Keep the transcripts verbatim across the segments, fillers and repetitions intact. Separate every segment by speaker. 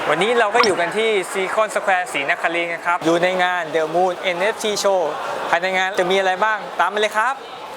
Speaker 1: วันนี้เราก็อยู่กันที่ซีคอนสแควร์ศรีนครินทร์ครับอยู่ในงาน The Moon เอ็น เอฟ ที Show ภายในงานจะมีอะไรบ้างตามมาเลยครับ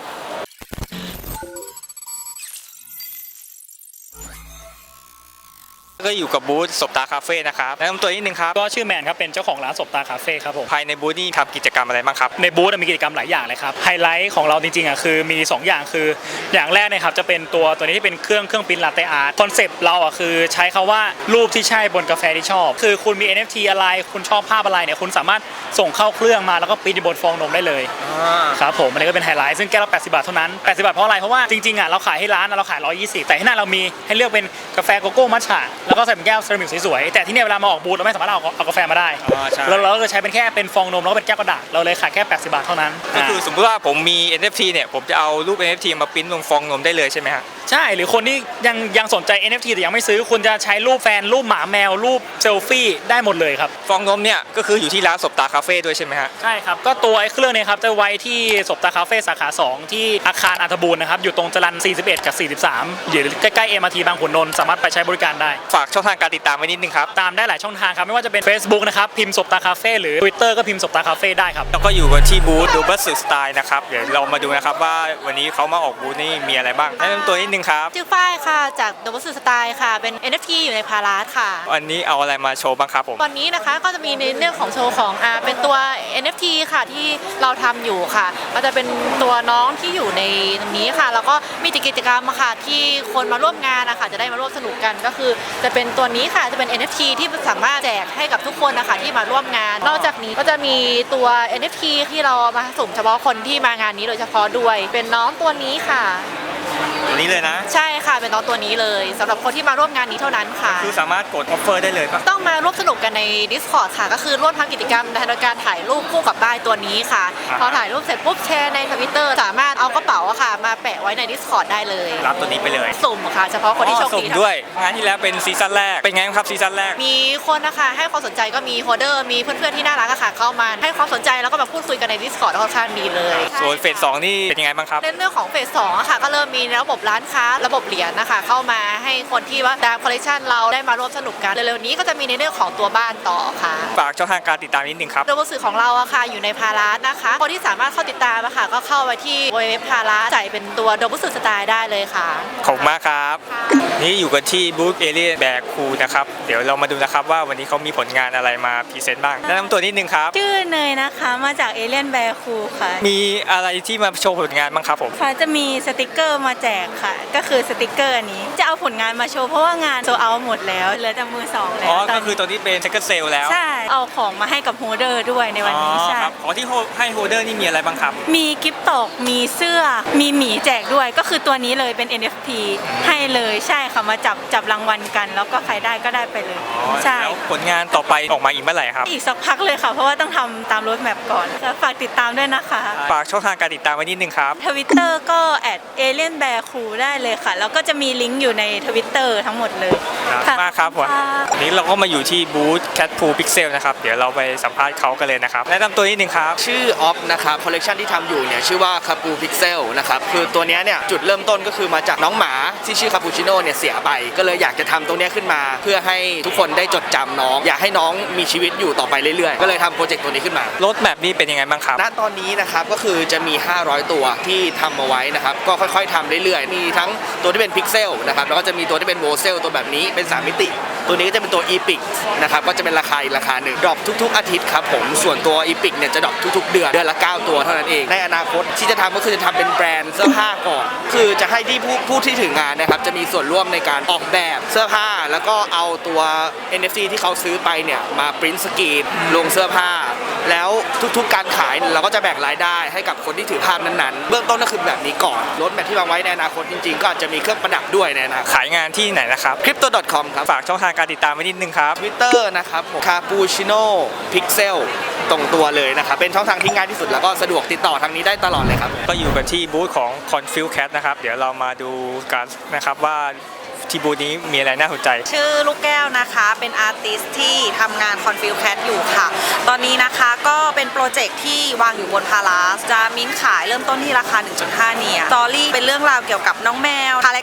Speaker 1: ก็อยู่กับบูธศพตาคาเฟ่นะครับแนะนำตัวนิดนึงครับ
Speaker 2: ก็ชื่อแมนครับเป็นเจ้าของร้านศพตาคาเฟ่ครับผม
Speaker 1: ภายในบูธนี่ทำกิจกรรมอะไรบ้างครับ
Speaker 2: ในบูธมีกิจกรรมหลายอย่างเลยครับไฮไลท์ของเราจริงๆอ่ะคือมีสองอย่างคืออย่างแรกนะครับจะเป็นตัวตัวนี้ที่เป็นเครื่องเครื่องปริ้นท์ลาเต้อาร์ตคอนเซปต์เราอ่ะคือใช้คำว่ารูปที่ใช่บนกาแฟที่ชอบคือคุณมี เอ็น เอฟ ที อะไรคุณชอบภาพอะไรเนี่ยคุณสามารถส่งเข้าเครื่องมาแล้วก็ปริ้นท์บนฟองนมได้เลยครับผมอันนี้ก็เป็นไฮไลท์ซึ่งแก้วละแปดสิบบาทเท่านั้นแปดสิบบาทเพราะอะไรเพราะว่าจริงๆอ่ะเราขายให้ร้านเราขายหนึ่งร้อยยี่สิบแต่ที่หน้าเรามีให้เลือกเป็นกาแฟโกโก้มัทฉะแล้วก็ใส่เป็นแก้วเซรามิกสวยๆแต่ที่นี่เวลามาออกบูธเราไม่สามารถเอาเอากาแฟมาได้เราเราก็ใช้เป็นแค่เป็นฟองนมแล้วก็เป็นแก้วกระดาษเราเลยขายแค่แปดสิบบาทเท่านั้น
Speaker 1: ก็คือสมมติว่าผมมี เอ็น เอฟ ที เนี่ยผมจะเอารูป เอ็น เอฟ ที มาปริ้นลงฟองนมได้เลยใช่ไหมฮะ
Speaker 2: ใช่หรือคนที่ยังยังสนใจ เอ็น เอฟ ที แต่ยังไม่ซื้อคุณจะใช้รูปแฟนรูปหมาแมวรูปเซลฟี่ได้หมดเลยครับ
Speaker 1: ฟองนมเนี่ยก็คืออยู่ที่ร้านศพตาคาเฟ่ด้วยใช่ไหมฮะ
Speaker 2: ใช่ครับก็ตัวไอ้เครื่องนี้ครับจะไว้ที่ศพตาคาเฟ่สาขาสองที่อาคารอัฐบูรณ์นะครับอยู่ตรงจรัญสี่สิบเอ็ดกับสี่สิบสามอยู่ใกล้ๆ เอ็ม อาร์ ที บางขุนนนท์สามารถไปใช้บริการได้
Speaker 1: ฝากช่องทางการติดตามไว้นิดนึงครับ
Speaker 2: ตามได้หลายช่องทางครับไม่ว่าจะเป็น Facebook นะครับพิมพ์ศพตาคาเฟ่หรือ Twitter ก็พิมพ์ศพตาคาเฟ่ได้ครับ
Speaker 1: แล้วก็อยู่กันที่บูธดูบัสสึสไตล์นะครับเดี๋ยวเรามาดูนะครับว่าวันนี้เขามาออกบูธนี่มีอะไรบ้างแนะนำตัวนิดนึงครับ
Speaker 3: ชื่อฝ้ายค่ะจากดูบัสสึสไตล์ค่ะเป็น เอ็น เอฟ ที อยู่ในพาราสค่ะ
Speaker 1: วันนี้เอาอะไรมาโชว์บ้างครับผม
Speaker 3: วันนี้นะคะก็จะมีในเรื่องของโชว์ของอ่าเป็นตัว เอ็น เอฟ ที ค่ะที่เราทำอยู่ค่ะก็จะเป็นตัวน้องที่อยู่ในตรงนี้ค่ะแล้วก็มีกิจกรรมค่ะที่คนมาร่วมงานนะคะจะได้มาร่วมสนุกกันก็คือจะเป็นตัวนี้ค่ะจะเป็น เอ็น เอฟ ที ที่สามารถแจกให้กับทุกคนนะคะที่มาร่วมงานนอกจากนี้ก็จะมีตัว เอ็น เอฟ ที ที่เรามาสุ่มเฉพาะคนที่มางานนี้โดยเฉพาะด้วยเป็นน้องตัวนี้ค่ะ
Speaker 1: ตัวนี้เลยนะ
Speaker 3: ใช่ค่ะเป็นน้องตัวนี้เลยสำหรับคนที่มาร่วมงานนี้เท่านั้นค่ะ
Speaker 1: คือสามารถกดออฟเฟอร์ได้เลยปะ
Speaker 3: ต้องมาร่วมสนุกกันใน Discord ค่ะก็คือร่วมทำกิจกรรมในการถ่ายรูปคู่กับป้ายตัวนี้ค่ะพอถ่ายรูปเสร็จปุ๊บแชร์ใน Twitter สามารถเอากระเป๋าค่ะมาแปะไว้ใน Discord ได้เลย
Speaker 1: รับตัวนี้ไปเลย
Speaker 3: สุ่มค่ะเฉพาะคนที่โชคดี
Speaker 1: ด้วยงานที่แล้วเป็นซีซั่นแรกเป็นไงครับซีซั่นแรก
Speaker 3: มีคนนะคะให้ความสนใจก็มีโฮเดอร์มีเพื่อนๆที่น่ารักค่ะเข้ามาให้ความสนใจแล้วก็มาพูดคุยกันใน Discord ค่อนข้างดีเลย
Speaker 1: ส่วนเฟสสองนี่เป็นยังไงบ้างครับ
Speaker 3: ในเรื่องของเฟสสองค่ะก็เริ่มมีระบบร้านค้าระบบเหรียญนะคะเข้ามาให้คนที่ว่าตามคอลเลคชันเราได้มาร่วมสนุกกันเร็วๆนี้ก็จะมีในเรื่องของตัวบ้านต่อค่ะ
Speaker 1: ฝากช่องทางการติดตามนิดนึงครับ
Speaker 3: โดยสื่อของเราอะค่ะอยู่ในพาราสนะคะคนที่สามารถเข้าติดตามอะค่ะก็เข้าไปที่เว็บพาราสใส่เป็นตัวโดบุสึสไตล์ได้เลยค่ะ
Speaker 1: ขอบคุณมากครับนี่อยู่กันที่บูธเอเลียนแบกคูนะครับเดี๋ยวเรามาดูนะครับว่าวันนี้เขามีผลงานอะไรมาพรีเซนต์บ้างแนะนำตัวนิดนึงครับ
Speaker 4: ชื่อเนยนะคะมาจากเอเลียนแบกคูค่ะ
Speaker 1: มีอะไรที่มาโชว์ผลงานบ้างครับผม
Speaker 4: ค่ะจะมีสติกเกอร์มาแจกค่ะก็คือสติกเกอร์อันนี้จะเอาผลงานมาโชว์เพราะว่างานโซเอาหมดแล้วเหลือแต่มือสองแล้ว
Speaker 1: อ๋อก็คือตัวนี้เป็นเซ็กเซลแล้ว
Speaker 4: ใช่เอาของมาให้กับโฮเดอร์ด้วยในวันนี้ใช่
Speaker 1: ครับอ๋อที่ให้โฮเดอร์นี่มีอะไรบ้างครับ
Speaker 4: มีกิฟต์ตกมีเสื้อมีหมีแจกด้วยก็คือตัวนี้เลยเป็น เอ็น เอฟ ที ให้เลยใช่ค่ะมาจับจับรางวัลกันแล้วก็ใครได้ก็ได้ไปเลย
Speaker 1: ใช่แล้วผลงานต่อไปออกมาอีกเมื่อไหร่ครับ
Speaker 4: อีกสักพักเลยค่ะเพราะว่าต้องทำตามโรดแมปก่อนฝากติดตามด้วยนะคะ
Speaker 1: ฝากช่องทางการติดตามไว้นิดนึงครับ
Speaker 4: Twitter ก็แอดเอเลียนแบร์คูได้เลยค่ะแล้วก็จะมีลิงก์อยู่ใน Twitter ทั้งหมดเลย
Speaker 1: ค่ะมากครับผมวันนี้เราก็มาอยู่ที่บูธ Cat Pool Pixel นะครับเดี๋ยวเราไปสัมภาษณ์เขากันเลยนะครับแนะนำตัวนิดนึงครับ
Speaker 5: ชื่อออฟนะครับคอลเลกชันที่ทำอยู่เนี่ยชื่อว่าคาปูพิกเซลนะครับคือตัวนี้เนี่ยจุดเริ่มต้นก็คือมาจากน้องหมาที่ชื่อคาปูชิโน่เนี่ยเสียไปก็เลยอยากจะทำตรงนี้ขึ้นมาเพื่อให้ทุกคนได้จดจำน้องอยากให้น้องมีชีวิตอยู่ต่อไปเรื่อยๆก็เลยทำโปรเจกต์ตัวนี้ขึ้นมาร
Speaker 1: ถแมพนี้เป็นยังไงบ้างครับ
Speaker 5: ณตอนนี้นะครับก็คือจะมีห้าร้อยตัวที่ทำมาไว้นะครับก็ค่อยๆทำเรื่อยๆมีทั้งตัวที่เป็นพิกเซลนะครับแล้วก็จะมีตัวที่เป็นโวเซลตัวแบบนี้เป็นสามมิติตัวนี้ก็จะเป็นตัวอีพิกนะครับก็จะเป็นราคาอีกราคาหนึ่งดรอปทุกๆอาทิตย์ครับผมส่วนตัวอีพิกเนี่ยจะดรอปทุกๆเดือนเดือนละเก้าตัวเท่านั้นเองในอนาคตที่จะทำก็คือจะทำเป็นแบรนด์เสื้อผ้าก่อนคือจะให้ที่ผู้ผู้ที่ถืองานนะครับจะมีส่วนร่วมในการออกแบบเสื้อผ้าแล้วก็เอาตัว เอ็น เอฟ ซี ที่เขาซื้อไปเนี่ยมาปริ้นท์สกรีนลงเสื้อผ้าแล้วทุกๆการขายเราก็จะแบ่งรายได้ให้กับคนที่ถือภาพนั้นๆเบื้องต้นก็คือแบบนี้ก่อนรถแบบที่วางไว้ในอนาคตจริงๆก็อาจจะมีเครื่องประดับด้วยในอนาคต
Speaker 1: ขายงานที่ไหนนะครับ
Speaker 5: คริปโต ดอท คอม ครับ
Speaker 1: ฝากช่องทางการติดตามไว้นิดนึงครับ
Speaker 5: Twitter นะครับคาปูชิโน่พิกเซลตรงตัวเลยนะครับเป็นช่องทางที่ง่ายที่สุดแล้วก็สะดวกติดต่อทางนี้ได้ตลอดเลยครับ
Speaker 1: ก็อยู่กันที่บูธของ Confuse Cat นะครับเดี๋ยวเรามาดูกันนะครับว่าที่บูธนี้มีอะไรน่าสนใจ
Speaker 6: ชื่อลูกแก้วนะคะเป็นอาร์ติสที่ทำงาน Confuse Cat อยู่ค่ะตอนนี้นะคะก็เป็นโปรเจกต์ที่วางอยู่บนพาราสจะมิ้นขายเริ่มต้นที่ราคา หนึ่งจุดห้า เนียสตอรี่เป็นเรื่องราวเกี่ยวกับน้องแมวคาแรค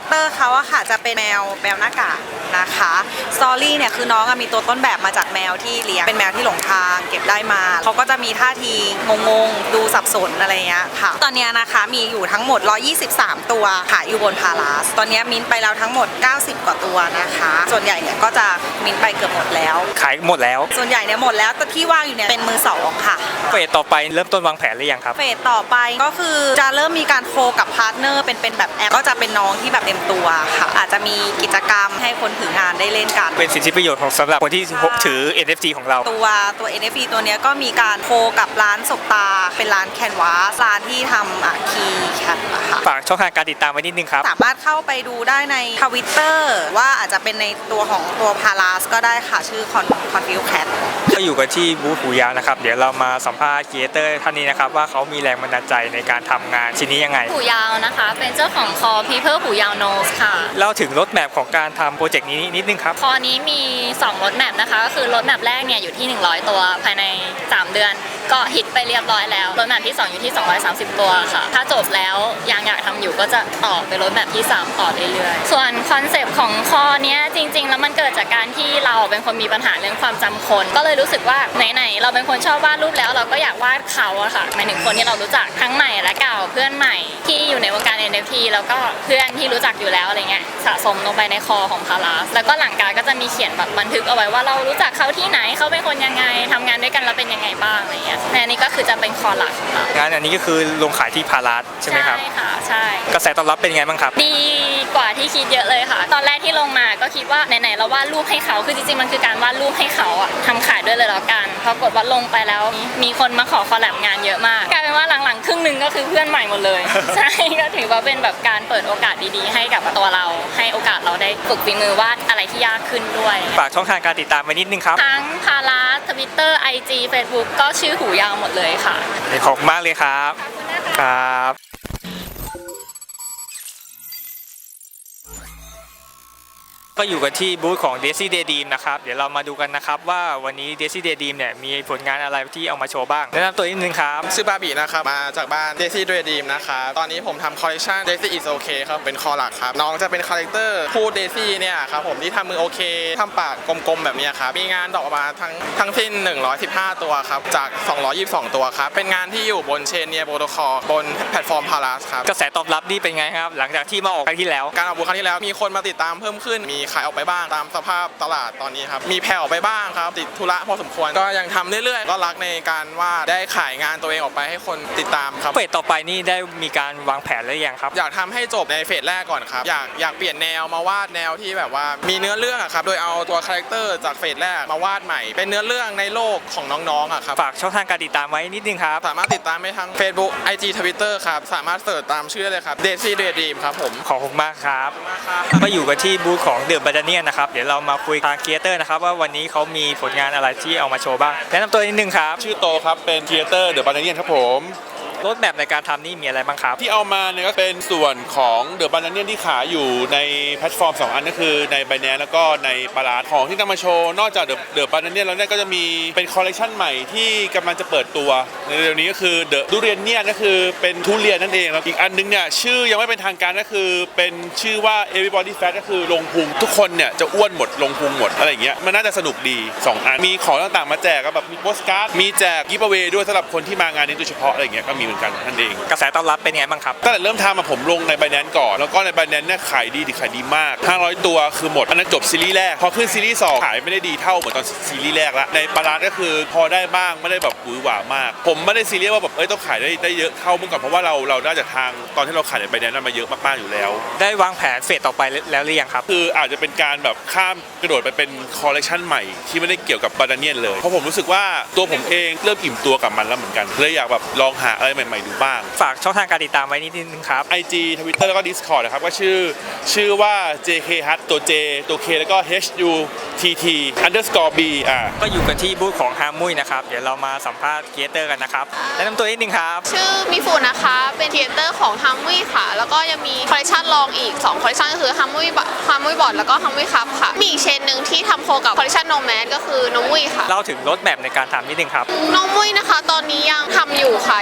Speaker 6: เตอร์เขาอะค่ะจะเป็นแมวแมวหน้ากากนะคะสตอรี่เนี่ยคือน้องอะมีตัวต้นแบบมาจากแมวที่เลี้ยงเป็นแมวที่หลงทางเก็บได้มาเขาก็จะมีท่าทีงงๆดูสับสนอะไรเงี้ยค่ะตอนเนี้ยนะคะมีอยู่ทั้งหมดหนึ่งร้อยยี่สิบสามตัวขายอยู่บนพาราสตอนเนี้ยมิ้นท์ไปแล้วทั้งหมดเก้าสิบกว่าตัวนะคะส่วนใหญ่เนี่ยก็จะมิ้นท์ไปเกือบหมดแล้ว
Speaker 1: ขายหมดแล้ว
Speaker 6: ส่วนใหญ่เนี่ยหมดแล้วแต่ที่ว่างอยู่เนี่ยเป็นมือสองค่ะ
Speaker 1: เฟสต่อไปเริ่มต้นวางแผนหรือยังครับ
Speaker 6: เฟสต่อไปก็คือจะเริ่มมีการโคกับพาร์ทเนอร์เป็นเป็นแบบแอปก็จะเป็นน้องที่แบบเต็มตัวค่ะอาจจะมีกิจกรรมให้คนถืองานได้เล่นกัน
Speaker 1: เป็นสิทธิประโยชน์ของสำหรับคนที่ถือ เอ็น เอฟ ที ของเรา
Speaker 6: ตัวตัว เอ็น เอฟ ที ตัวเนี้ยก็มีการโคกับร้านสบตาเป็นร้านแคนวาสร้านที่ทำอ่ะคีย์แคทนะคะ
Speaker 1: ฝากช่องทางการติดตามไว้นิดนึงครับ
Speaker 6: สามารถเข้าไปดูได้ในทวิตเตอร์ว่าอาจจะเป็นในตัวของตัวพาราสก็ได้ค่ะชื่อคอนคอนฟิวแคท
Speaker 1: ก็อยู่กันที่บูธหูยาวนะครับ เดี๋ยวเรามาสัมภาษณ์ครีเอเตอร์ท่านนี้นะครับว่าเขามีแรงบันดาลใจในการทำงานชิ้นนี้ยังไง
Speaker 7: หูยาวนะคะ เป็นเจ้าของคอ People หูยาว Nose ค่ะ
Speaker 1: เล่าถึงรถแมพของการทำโปรเจกต์นี้นิดนึงครับ
Speaker 7: คอนี้มีสองรถแมปนะคะ ก็คือรถแมปแรกเนี่ยอยู่ที่ หนึ่งร้อย ตัวภายใน สาม เดือน ก็ฮิตไปเรียบร้อยแล้ว รถแมปที่ สอง อยู่ที่ สองร้อยสามสิบ ตัวค่ะ ถ้าจบแล้วยังอยากทำอยู่ก็จะต่อไปรถแมปที่ สาม ต่อเรื่อยๆ ส่วนคอนเซปต์ของคอเนี้ยจริงๆ แล้วมันเกิดจากการที่เราเป็นคนมีปัญหาเรื่องความจำคน ก็เลยรู้สึกว่าไหนๆเราเป็นคนชอบวาดรูปแล้วเราก็อยากวาดเขาอะค่ะหมายถึงคนที่เรารู้จักทั้งใหม่และเก่าเพื่อนใหม่ที่อยู่ในวงการ เอ็น เอฟ ที แล้วก็เพื่อนที่รู้จักอยู่แล้วอะไรเงี้ยสะสมลงไปในคอของพาราสแล้วก็หลังการก็จะมีเขียนแบบบันทึกเอาไว้ว่าเรารู้จักเขาที่ไหนเขาเป็นคนยังไงทำงานด้วยกันแล้วเป็นยังไงบ้างอะไรเงี้ยในอันนี้ก็คือจะเป็นคอหลักของเรา
Speaker 1: งานอันนี้ก็คือลงขายที่พาราสใช่ไหมครับ
Speaker 7: ใช่ค่ะใช่
Speaker 1: กระแสตอบรับเป็นไงบ้างครับ
Speaker 7: ดีกว่าที่คิดเยอะเลยค่ะ ตอนแรกที่ลงมาก็คิดว่าไหนๆเราวาดรูปให้เขาคือจริงๆมันคือการวาดรูปให้เขาอะทำขายด้วยเลยแล้วกันพอกดว่าลงไปแล้วมีคนมาขอคอลแลบงานเยอะมากกลายเป็นว่าหลังๆครึ่งหนึ่งก็คือเพื่อนใหม่หมดเลย ใช่ก็ถือว่าเป็นแบบการเปิดโอกาสดีๆให้กับตัวเราให้โอกาสเราได้ฝึกฝีมือวาดอะไรที่ยากขึ้นด้วย
Speaker 1: ฝากช่องทางการติดตามไว้นิดนึงครับ
Speaker 7: ทั้งพาราทวิตเตอร์ไอจีเฟซบุ๊กก็ชื่อหูยาวหมดเลยค่ะ
Speaker 1: ขอบคุณมากเลยครับ ครับ ก็อยู่กันที่บูธของ Daisy Daydream นะครับ เดี๋ยวเรามาดูกันนะครับว่าวันนี้ Daisy Daydream เนี่ยมีผลงานอะไรที่เอามาโชว์บ้างแนะนำตัวนิดนึงครับ
Speaker 8: ชื่อบาบีนะครับมาจากบ้าน Daisy Daydream นะครับตอนนี้ผมทำคอลเลคชัน Daisy is okay ครับเป็นคอหลักครับน้องจะเป็นคาแรคเตอร์พูด Daisy เนี่ยครับผมที่ทำมือโอเคทำปากกลมๆแบบนี้ครับมีงานดอกออกมาทั้งทั้งสิ้นหนึ่งร้อยสิบห้าตัวครับจากสองร้อยยี่สิบสองตัวครับเป็นงานที่อยู่บนเชนเนียโปรโตคอลบนแพลตฟอร์มพาราสครับ
Speaker 1: กระแสตอบรับนี่เป็นไงครับ หลังจากที่มาออกครั้งที่แล้ว
Speaker 8: การออกบูธครั้งที่แล้วมีคนมาติดตามเพิ่มขึ้นมีขายออกไปบ้างตามสภาพตลาดตอนนี้ครับมีแผ่วไปบ้างครับติดธุระพอสมควรก็ยังทำเรื่อยๆก็รักในการวาดได้ขายงานตัวเองออกไปให้คนติดตามครับ
Speaker 1: เฟสต่อไปนี่ได้มีการวางแผนหรือยังครับ
Speaker 8: อยากทำให้จบในเฟสแรกก่อนครับอยากอยากเปลี่ยนแนวมาวาดแนวที่แบบว่ามีเนื้อเรื่องอะครับโดยเอาตัวคาแรคเตอร์จากเฟสแรกมาวาดใหม่เป็นเนื้อเรื่องในโลกของน้องๆอะครับ
Speaker 1: ฝากช่องทางการติดตามไว้นิดนึงครับ
Speaker 8: สามารถติดตามได้ทั้ง Facebook ไอ จี Twitter ครับสามารถเสิร์ชตามชื่อได้เลยครับ Daisy Daydream ครับผม
Speaker 1: ขอบคุณมากครับ ก็อยู่กันที่บูธของเดอะบัตเนียนนะครับ เดี๋ยวเรามาคุยทางครีเอเตอร์นะครับว่าวันนี้เขามีผลงานอะไรที่เอามาโชว์บ้างแนะนำตัวนิดนึงครับ
Speaker 9: ชื่อโตครับ เป็นครีเอเตอร์เดอะบานาเนียนครับผม
Speaker 1: รถแมพในการทำนี่มีอะไรบ้างครับ
Speaker 9: ที่เอามาเนี่ยก็เป็นส่วนของเดอะบานาเนียนที่ขายอยู่ในแพลตฟอร์ม สอง อันก็คือใน Binance แล้วก็ในปาราสของที่นำมาโชว์นอกจากเดอะบานาเนียนแล้วเนี่ยก็จะมีเป็นคอลเลคชันใหม่ที่กำลังจะเปิดตัวในเร็วนี้ก็คือเดอะทุเรียนเนี่ยก็คือเป็นทุเรียนนั่นเองแล้วอีกอันนึงเนี่ยชื่อยังไม่เป็นทางการก็คือเป็นชื่อว่า Everybody Fat ก็คือลงพุงทุกคนเนี่ยจะอ้วนหมดลงพุงหมดอะไรอย่างเงี้ยมันน่าจะสนุกดีสองอันมีของต่างๆมาแจกแบบมีโปสการ์ดมีแจกกิฟต์เอาเวย์ด้วยสำหรับคนที่มางานนี้โดยเฉพาะอะไรอย่างเงี้ยก็มีเหมือนกันนั่นเอง
Speaker 1: กระแสตอบรับเป็นไงบ้างครับ
Speaker 9: ตั้งแต่เริ่มทำมาผมลงใน Binance ก่อนแล้วก็ใน Binance เนี่ยขายดีดีขายดีมากห้าร้อยตัวคือหมดอันนั้นจบซีรีส์แรกพอขึ้นซีรีส์สองขายไม่ได้ดีเท่าเหมือนตอนซีรีส์แรกละในปาราสก็คือพอได้บ้างไม่ได้แบบหวือหวามากผมไม่ได้ซีเรียสว่าแบบเอ้ยต้องขายได้ได้เยอะเท่าเมื่อก่อนเพราะว่าเราเราได้จากทางตอนที่เราขายใน Binance นั้นมาเยอะมากๆอยู่แล้ว
Speaker 1: ได้วางแผนเฟสต่อไปแล้วหรือยังครับ
Speaker 9: คืออาจจะเป็นการแบบข้ามกระโดดไปเป็นคอลเลคชันใหม่ที่ไม่ได้เกี่ยวกับบานาเนียนเลยเพราะผมรู้สึกว่าตัวผมเองเริ่มอิ่มตัวกับมันแล้วเหมือนกันเลยอยากแบบลองหาอะไรใหม่ๆดูบ้าง
Speaker 1: ฝากช่องทางการติดตามไว้นิดนึงครับ
Speaker 9: ไอ จี Twitter แล้วก็ Discord นะครับก็ชื่อชื่อว่า เจ เค ฮัท ตัว J ตัว K แล้วก็ H U T T underscore B อ่า
Speaker 1: ก็อยู่กันที่บูธของฮามุยนะครับเดี๋ยวเรามาสัมภาษณ์ครีเอเตอร์กันนะครับแนะนำตัวนิดนึงครับ
Speaker 10: ชื่อมิฟูนะคะ เป็นครีเอเตอร์ของฮัมวี่ค่ะ แล้วก็ยังมีคอลเลคชันรองอีกสองคอลเลคชันก็คือฮัมวี่ฮัมวี่บอร์ดแล้วก็ฮัมวี่คัพค่ะ มีอีกเชนหนึ่งที่ทำโคกับคอลเลคชันโนแมสก็คือนมวี่ค่ะ
Speaker 1: เล่าถึงรถแมพในการทำนิดนึงครับ
Speaker 10: นมวี่นะคะ ตอนนี้ยังทำอยู่ค่ะ ยังคง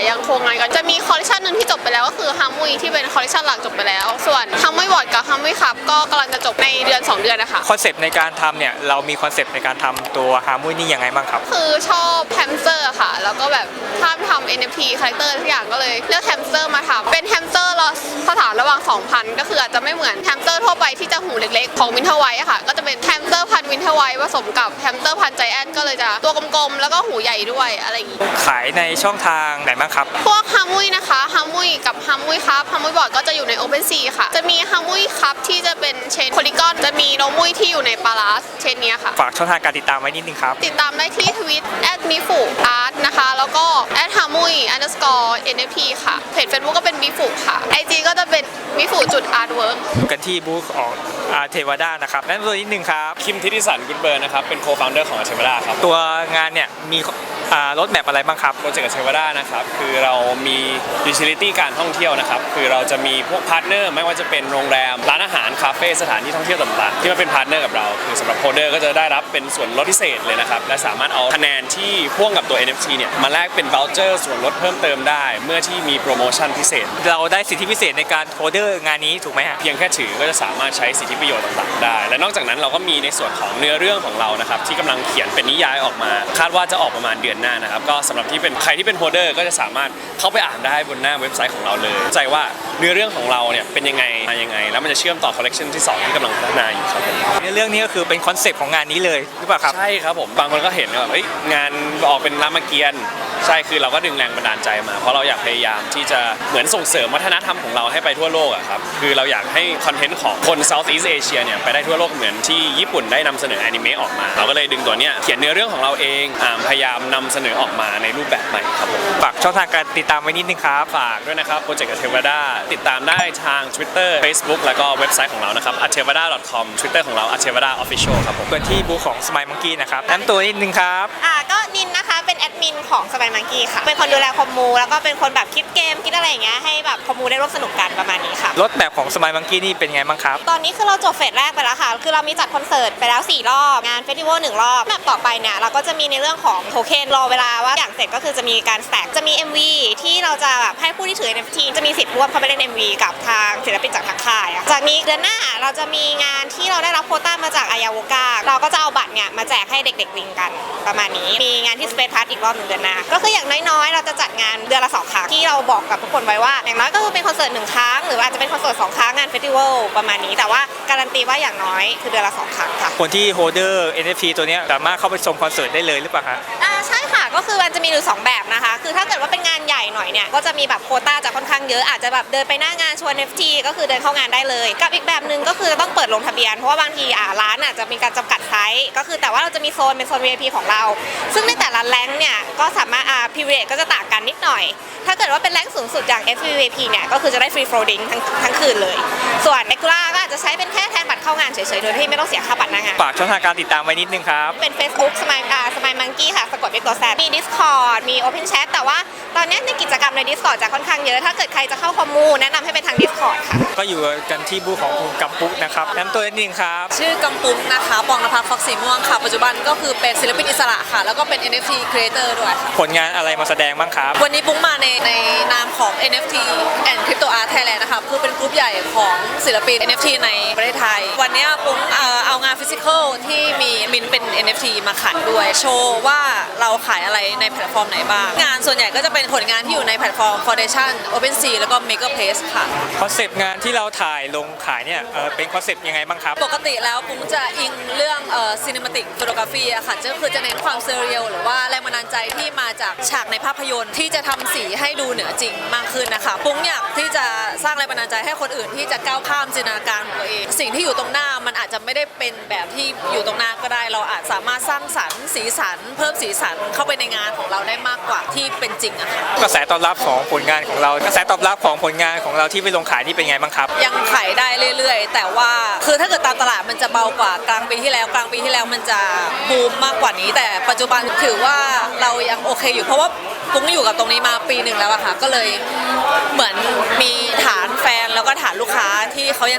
Speaker 10: ำงานกันจะมีคอลเลคชันหนึ่งที่จบไปแล้วก็คือฮัมมุยที่เป็นคอลเลคชันหลักจบไปแล้วส่วนฮัมมุยบอร์ดกับฮัมมุยคัพก็กำลังจะจบในเดือนสองเดือนนะคะ
Speaker 1: คอนเซปต์ในการทำเนี่ยเรามีคอนเซปต์ในการทำตัวฮาร์มุยนี่ยังไงบ้างครับ
Speaker 10: คือชอบแฮมสเตอร์ค่ะแล้วก็แบบถ้าทำ เอ็น เอฟ ที คาแรคเตอร์ทุกอย่างก็เลยเลือกแฮมสเตอร์มาทำเป็นแฮมสเตอร์สถานระหว่างสองพันก็คืออาจจะไม่เหมือนแฮมสเตอร์ทั่วไปที่จะหูเล็กๆของวินเทอร์ไวท์ค่ะก็จะเป็นแฮมสเตอร์พันวินเทอร์ไวท์ผสมกับแฮมสเตอร์พันไจแอนท์ก็เลยจะตัวกลมๆแล้วก็หูใหญ่ด้วยอะไรอย่างงี้
Speaker 1: ขายในช่องทางไหนบ้างครับ
Speaker 10: พวกฮัมมุยนะคะฮัมมุยกับฮัมมุยครับฮัมมุยบอร์ดก็จะอยู่ใน OpenSea ค่ะจะมีฮัมมุยครับที่จะเป็นเชนโพลีกอนจะมีโนมุยที่อยู่ในปาราสเชนเนี้ยค่ะ
Speaker 1: ฝากช่องทางการติดตามไว้นิดนึงครับ
Speaker 10: ติดตามได้ที่ทวิต แอท มิฟุ อาร์ต นะคะแล้วก็ แอท ฮามุย อันเดอร์สกอร์ เอ็น เอฟ ที ค่ะเพจ Facebook ก็เป็นมิฟุค่ะ ไอ จี ก็จะเป็นมิฟุจุดอาร์ตเวิร์ก
Speaker 1: กันที่บูธของอาเทวดานะครับนั่นตัวนิดนึงครับ
Speaker 11: คิมทิติสันกุลเบิร์นนะครับเป็นโคฟาวเดอร์ของเทวดาครับ
Speaker 1: ตัวงานเนี่ยมีรถแมพอะไรบ้างครับ
Speaker 11: โปรเจกต์กับเทวดานะครับคือเรามียูทิลิตี้การท่องเที่ยวนะครับคือเราจะมีพวกพาร์ทเนอร์ไม่ว่าจะเป็นโรงแรมร้านอาหารคาเฟ่สถานที่ท่องเที่ยวต่างๆที่มาเป็นพาร์ทเนอร์กับเราคือสำหรับโคเดอร์ก็จะได้รับเป็นส่วนลดพิเศษเลยนะครับและสามารถเอาคะแนนที่พ่วงกับตัว เอ็น เอฟ ที เนี่ยมาแลกเป็นว o ลเจอร์ส่วนลดเพิ่มเติมได้เมื่อที่มีโปรโมชั่นพิเศษ
Speaker 1: เราได้สิทธิพิเศษในการโคเดอร์งานนี้ถูกไหมฮะ
Speaker 11: เพียงแค่ถือก็จะสามารถใช้สิทธิประโยชน์ต่างๆได้และนอกจากนั้นเราก็มีในส่วนของเนื้อเรื่องของเรานะครับที่กำลังเขียนเป็นนิยายออกมาคาดว่าจะออกประมาณเดือนหน้านะครับก็สำหรับที่เป็นใครที่เป็นโฮเดอร์ก็จะสามารถเข้าไปอ่านได้บนหน้าเว็บไซต์ของเราเลยใจว่าเนื้อเรื่องของเราเนี่ยเป็นยังไงมายังไงแล้วมันจะเชื่อมต่อคอลเลคชันที่สองที่กำลังพัฒนาอยู่ครับ
Speaker 1: ในเรื่องนี้ก็คือเป็นคอนเซปต์ของงานนี้เลยหรือเปล่าครับ
Speaker 11: ใช่ครับผมบางคนก็เห็นว่าเอ้ยงานออกเป็นรามเกียรติ์ใช่คือเราก็ดึงแรงบันดาลใจมาเพราะเราอยากพยายามที่จะเหมือนส่งเสริมวัฒนธรรมของเราให้ไปทั่วโลกอะครับคือเราอยากให้คอนเทนต์ของคน Southeast Asia เนี่ยไปได้ทั่วโลกเหมือนที่ญี่ปุ่นได้นำเสนออนิเมะออกมาเราก็เลยดึงตัวเนี้ยเขียนเนื้อเรื่องของเราเองพยายามนำเสนอออกมาในรูปแบบใหม่ครับผม
Speaker 1: ฝากช่องทางการติดตามไว้นิดนึงครับ
Speaker 11: ฝากด้วยนะครับโปรเจกต์เทวดาติดตามได้ทาง Twitter Facebook แล้วก็เว็บไซต์ของเรานะครับ a t e v a d a ดอท คอม Twitter ของเรา a t e v a d a Official ครับผม
Speaker 1: กันที่บูธของ Smile Monkey นะครับแนะนำตัวนิดนึงครับ
Speaker 12: อ่าก็นินนะคะเป็นแอดมินของ Smile Monkey ค่ะเป็นคนดูแลคอมมูแล้วก็เป็นคนแบบคิดเกมคิดอะไรอย่างเงี้ยให้แบบคอมมูได้ร่วมสนุกกันประมาณนี้ค่ะ
Speaker 1: รถแบบของ Smile Monkey นี่เป็นไงบ้างครับ
Speaker 12: ตอนนี้คือเราจบเฟสแรกไปแล้วค่ะคือเรามีจัดคอนเสิร์ตไปแล้วสี่รอบงานเฟสติวัลหนึ่งรอบแบบต่อไปเนี่ยเราก็จะมีในเรื่องของโทเค็นรอเวลาว่าอย่างเสร็จก็คือจะมีการแสกจะมี เอ็ม วี ที่เราจะแบบให้ผู้ที่ถือ เอ็น เอฟ ที จะมีสิทธิ์ร่วมเข้าไปเล่น เอ็ม วี กับทางศิลปินจากทางค่ายจากนี้เดือนหน้าเราจะมีงานที่เราได้รับโควต้ามาจากอายาโวกาเราก็จะเอาบัตรเนี่ยมาแจกให้เด็กๆลิงกันประมาณนี้มีงานที่สเปซพาร์ทอีกรอบหนึ่งเดือนหน้าก็คืออย่างน้อยๆเราจะจัดงานเดือนละสองครั้งที่เราบอกกับทุกคนไว้ว่าอย่างน้อยก็คือเป็นคอนเสิร์ตหนึ่งครั้งหรืออาจจะเป็นคอนเสิร์ตสองครั้งงานเฟสติวัลประมาณนี้แต่ว่าการันตีว่าอย่างน้อยคือเดือนละสองครั้งค่ะ
Speaker 1: คนที่โฮเดอร์ เอ็น เอฟ ที ตัวนี้สามารถเข้าไปชมคอนเสิร์ตได้เลยหรือเปล่าคะ
Speaker 12: อ่าใช่ค่ะก็คือมันจะมีอยู่สองแบบนะคะคือถ้าเกิดว่าเป็นงานใหญ่หน่อยเนี่ยก็จะมีแบบโควต้าจะค่อนข้างเยอะอาจจะแบบเดินไปหน้างานชวน เอฟ ที ก็คือเดินเข้างานได้เลยกับอีกแบบหนึ่งก็คือต้องเปิดลงทะเบียนเพราะว่าบางทีอ่าร้านอาจจะมีการจำกัดไซส์ก็คือแต่ว่าเราจะมีโซนเป็นโซน วี ไอ พี ของเราซึ่งในแต่ละแรงเนี่ยก็สามารถอ่าพิเวทก็จะต่างกันนิดหน่อยถ้าเกิดว่าเป็นแรงสูงสุดอย่าง เอฟ วี ไอ พี เนี่ยก็คือจะได้ฟรีโฟลดิ้งทั้งทั้งคืนเลยส่วนเรกูล่าก็อาจจะใช้เป็นแค่แทนบัตรเข้างานเฉยๆโดยที่ไม่ต้องเสียค่าบัตรหน้างาน
Speaker 1: ฝากช่องทางการติดตามไว้นิดนึงครับ
Speaker 12: เป็น Facebook Smile อ่า Smile Monkey ค่ะสะกดด้วยตัวแซดมี Discord มี Open Chat แต่ว่าตอนนี้ในกิจกรรมใน Discord จะค่อนข้างเยอะถ้าเกิดใครจะเข้าคอมมูแนะนำให้เป็นทาง Discord ค่ะ
Speaker 1: ก็อยู่กันที่บูธของคุณกัมปุ๊กนะครับแนะนำตัวนิดนึงครับ
Speaker 6: ชื่อกัมปุ๊กนะคะปองนภัสฟ็อกสีม่วงค่ะปัจจุบันก็คือเป็นศิลปินอิสระค่ะแล้วก็เป็น เอ็น เอฟ ที Creator ด้วยค่ะ
Speaker 1: ผลงานอะไรมาแสดงบ้างครับ
Speaker 6: วันนี้ปุ๊กมาในในนามของ เอ็น เอฟ ที and Crypto Art Thailand นะคะคือเป็นกลุ่มใหญ่ของศิลปิน เอ็น เอฟ ที ในประเทศไทยวันนี้ปุ๊กเอางานฟิสิกอลที่มีมินเป็น เอ็น เอฟ ที มาขายด้วยโชว์ว่าเราขายอะไรในแพลตฟอร์มไหนบ้างงานส่วนใหญ่ก็จะเป็นผลงานที่อยู่ในแพลตฟอร์ม Foundation OpenSea แล้วก็ Makerplace ค่ะ
Speaker 1: คอนเซปต์งานที่เราถ่ายลงขายเนี่ยเออเป็นคอนเซปต์ยังไงบ้างครับ
Speaker 6: ปกติแล้วปุ๊กจะอิงเรื่องเอ่อ Cinematic Photography อะค่ะก็คือจะเน้นความเซเรียลหรือว่าแรงบันดาลใจที่มาจากฉากในภาพยนตร์ที่จะทำสีให้ดูเหนือจริงมากขึ้นนะคะปุ๊กอยากที่จะสร้างแรงบันดาลใจให้คนอื่นที่จะก้าวข้ามจินตนาการของตัวเองสิ่งที่อยู่ตรงหน้ามันอาจจะไม่ได้เป็นแบบที่อยู่ตรงหน้าก็ได้เราอาจสามารถสร้างสรรค์สีสันเพิ่มสีสันเข้าไปในงานของเราได้มากกว่าที่เป็นจริงอะค่ะ
Speaker 1: กระแสตอบรับของผลงานของเรากระแสตอบรับของผลงานของเราที่ไปลงขายนี่เป็นไงบ้างครับ
Speaker 6: ยังขายได้เรื่อยๆแต่ว่าคือถ้าเกิดตามตลาดมันจะเบากว่ากลางปีที่แล้วกลางปีที่แล้วมันจะบูมมากกว่านี้แต่ปัจจุบันถือว่าเรายังโอเคอยู่เพราะว่าปุ๊กอยู่กับตรงนี้มาปีหนึ่งแล้วอะค่ะก็เลยเหมือนมีฐานแฟนแล้วก็ฐานลูกค้าที่เขายังติดตามอยู่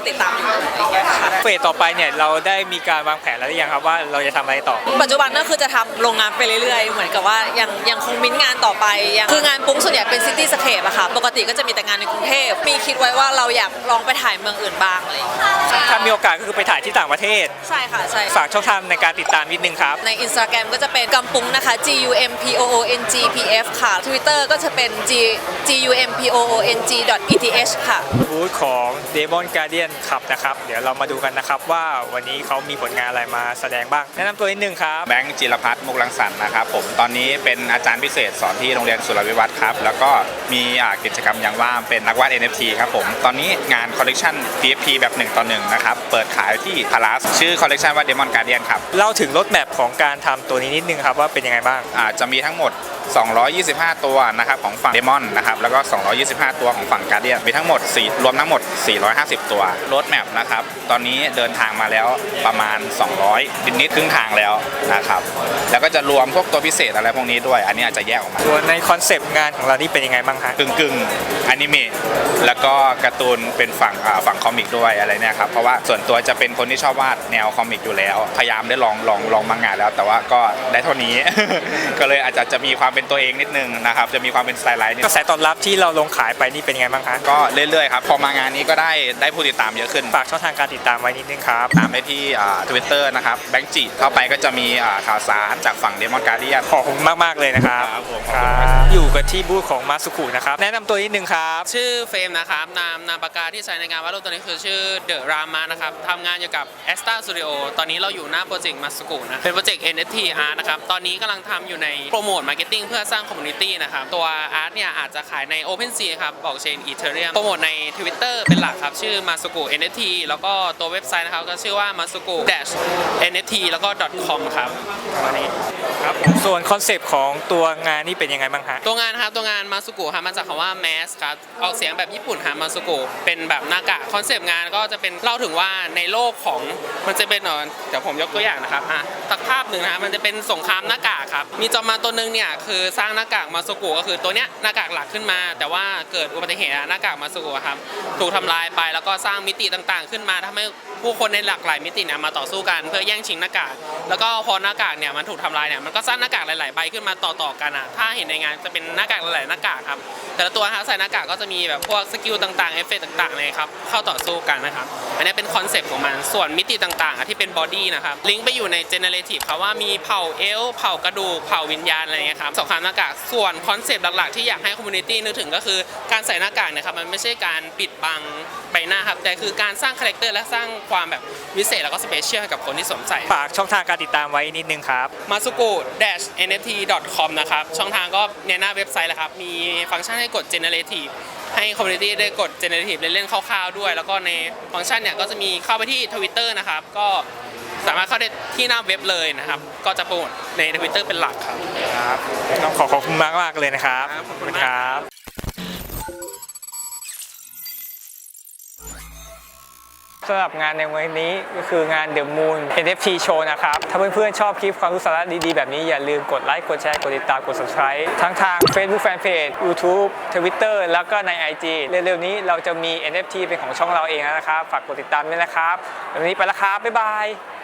Speaker 1: เฟสต่อไปเนี่ยเราได้มีการวางแผนแล้วหรือยังครับว่าเราจะทำอะไรต่อ
Speaker 13: ปัจจุบันก็คือจะทำโรงงานไปเรื่อยๆ เหมือนกับว่ายังยังคงมิ้นงานต่อไปยังคืองานปุ้งส่วนใหญ่เป็นซิตี้สเคปอะค่ะปกติก็จะมีแต่งานในกรุงเทพมีคิดไว้ว่าเราอยากลองไปถ่ายเมืองอื่นบ้างอะไรอย่างเงี้ย
Speaker 1: ถ้ามีโอกาสก็คือไปถ่ายที่ต่างประเทศ
Speaker 13: ใช่ค่ะใช่
Speaker 1: ฝากช่องทางในการติดตามนิดนึงครับ
Speaker 13: ใน Instagram ก็จะเป็นกัมปุ้งนะคะ G U M P O O N G P F ค่ะ Twitter ก็จะเป็น G G U M P O O N G E T H ค่ะ
Speaker 1: บูธของ Demon Guardian ครับนะครับเดี๋ยวเรามาดูกันนะครับว่าวันนี้เขามีผลงานอะไรมาแสดงบ้างแนะนำตัวนิดนึงครับ
Speaker 14: แบงค์จิรพัฒน์มุกลังสรรค์นะครับผมตอนนี้เป็นอาจารย์พิเศษสอนที่โรงเรียนสุรวิวัฒน์ครับแล้วก็มีอ่ากิจกรรมอย่างว่างเป็นนักวาด เอ็น เอฟ ที ครับผมตอนนี้งานคอลเลกชัน ที เอฟ ที แบบหนึ่งต่อหนึ่งนะครับเปิดขายที่พาราสชื่อคอลเลกชันว่า Demon Guardian ครับ
Speaker 1: เล่าถึงรถแมพของการทำตัวนี้นิดนึงครับว่าเป็นยังไงบ้าง
Speaker 14: อ่าจะมีทั้งหมดสองร้อยยี่สิบห้าตัวนะครับของฝั่ง Demon นะครับแล้วก็สองร้อยยี่สิบห้าตัวของฝั่ง Guardian มีทั้งหมด4รวมทั้งหมดสี่ร้อยห้าสิบตัวรถแมพนะครับตอนนี้เดินทางมาแล้วประมาณสองร้อยนิดๆครึ่งทางแล้วนะครับแล้วก็จะรวมพวกตัวพิเศษอะไรพวกนี้ด้วยอันนี้อาจจะแยกออกมา
Speaker 1: ส่วนในคอนเซปต์งานของเรานี่เป็นยังไงบ้างคะ
Speaker 14: กึ่งกึ่งอนิเมะแล้วก็การ์ตูนเป็นฝั่งอ่าฝั่งคอมิกด้วยอะไรเนี่ยครับเพราะว่าส่วนตัวจะเป็นคนที่ชอบวาดแนวคอมิกอยู่แล้วพยายามได้ลองลองลองมางานแล้ว แต่ว่าก็ได้เท่านี้ ก็เลยอาจจะจะมีความเป็นตัวเองนิดนึงนะครับจะมีความเป็นสไตล์ไลน์นิด
Speaker 1: กระแสตอบรับที่เราลงขายไปนี่เป็นยังไงบ้างคะ
Speaker 14: ก็เรื่อยๆครับพอมางานนี้ก็ได้ได้ผู้ติดตามเยอะขึ้น
Speaker 1: ฝากช่องทางการติดตามไว้นิดนึงครับ
Speaker 14: ตามได้ที่ทวิตเตอร์นะครับแบงค์จีเข้าไปก็จะมีอ่าข่าวสารจากฝั่ง Demon Guardian
Speaker 1: ขอบคุณมากๆเลยนะครับ
Speaker 14: ครับผม
Speaker 1: ครับอยู่กันที่บูธของมาสุคุนะครับแนะนำตัวนิดนึงครับ
Speaker 15: ชื่อเฟรมนะครับนามนามปากกาที่ใช้ในงานวาดรูปตัวนี้คือชื่อเดอะรามานะครับทำงานอยู่กับ แอสตรา สตูดิโอ ตอนนี้เราอยู่หน้าโปรเจกต์มาสกุนะเป็นโปรเจกต์ เอ็น เอฟ ที Art นะครับตอนนี้กำลังทำอยู่ในโปรโมทมาร์เก็ตติ้งเพื่อสร้างคอมมูนิตี้นะครับตัวอาร์ตเนี่ยอาจจะขายใน OpenSea ครับบล็อกเชน Ethereum โปรโมทใน Twitter เป็นหลักครับชื่อมาสุกุ เอ็น เอฟ ที แล้วก็ตัวเว็บไซต์นะครับก็ชื่อว่า มาสุกุ เอ็น เอฟ ที แล้วก็ .com ครับวันนี้
Speaker 1: ครับส่วนคอนเซปต์ของตัวงานนี่เป็นยังไงบ้างฮะ
Speaker 15: ตัวงานครับตัวงานมาสุกุครับมาจากคำว่า mask ครับออกเสียงแบบญี่ปุ่นครับมาสุกุเป็นแบบหน้ากากคอนเซปต์งานก็จะเป็นเล่าถึงว่าในโลกของมันจะเป็นเดี๋ยวผมยกตัวอย่างนะครับอ่ะสักภาพหนึ่งนะครับมันจะเป็นสงครามหน้ากากครับมีจอมมารตัวหนึงเนี่ยคือสร้างหน้ากากมาสุกุก็คือตัวเนี้ยหน้ากากหลักขึ้นมา แต่ว่าเกิดอุบัติเหตุหน้ากากมาสุกุครับถูกทำลายไปแล้วก็สร้างมิติต่างๆ ขึ้นมาทำให้ผู้คนในหลากหลายมิติเนี่ยมาต่อสู้กันเพื่อแย่งชิงหน้ากากแล้วก็พอหน้ากากเนี่ยมันถูกทำลายเนี่ยมันก็สร้างหน้ากากหลายๆใบขึ้นมาต่อๆกันอ่ะถ้าเห็นในงานจะเป็นหน้ากากหลายๆหน้ากากครับแต่ละตัวฮะใส่หน้ากากก็จะมีแบบพวกสกิลต่างๆเอฟเฟกต์ต่างๆเลยครับเข้าต่อสู้กันนะครับอันนี้เป็นคอนเซปต์ของมันส่วนมิติต่างๆที่เป็นบอดี้นะครับลิงก์ไปอยู่ในเจเนเรทีฟครับว่ามีเผ่าเอลเผ่ากระดูกเผ่าวิญญาณอะไรเงี้ยครับสงครามหน้ากากส่วนคอนเซปต์หลักๆที่อยากให้คอมมูนิตี้นึกถึงก็คือการใส่หน้ากากนะครับมันไม่ใช่การปิดบังใบหน้าครับแต่คือการสร้างคาแรคเตอร์และสร้างความแบบวิเศษแล้วก็สเปเชียลให้กับคนที่สวมใส่
Speaker 1: ฝากช่องทางการติดตามไว้นิดนึงครับ
Speaker 15: มาสุกุ เอ็น เอฟ ที ดอท คอม นะครับช่องทางก็ในหน้าเว็บไซต์แหละครับมีฟังก์ชันให้กด Generative ให้คอมมูนิตี้ได้กด Generative เล่นๆคร่าวๆด้วยแล้วก็ในฟังก์ชันเนี่ยก็จะมีเข้าไปที่ Twitter นะครับก็สามารถเข้าได้ที่หน้าเว็บเลยนะครับก็จะโปรโมทใน Twitter เป็นหลักครับ
Speaker 1: ครับต้องขอขอบคุณมากมากเลยนะครับขอบคุณครับสำหรับงานในวันนี้ก็คืองาน The Moon เอ็น เอฟ ที Show นะครับถ้าเพื่อนๆชอบคลิปความรู้สาระดีๆแบบนี้อย่าลืมกดไลค์กดแชร์กดติดตามกด Subscribe ทั้งทาง Facebook Fanpage YouTube Twitter แล้วก็ใน ไอ จี เร็วๆนี้เราจะมี เอ็น เอฟ ที เป็นของช่องเราเองแล้วนะครับฝากกดติดตามด้วยนะครับวันนี้ไปแล้วครับบ๊ายบาย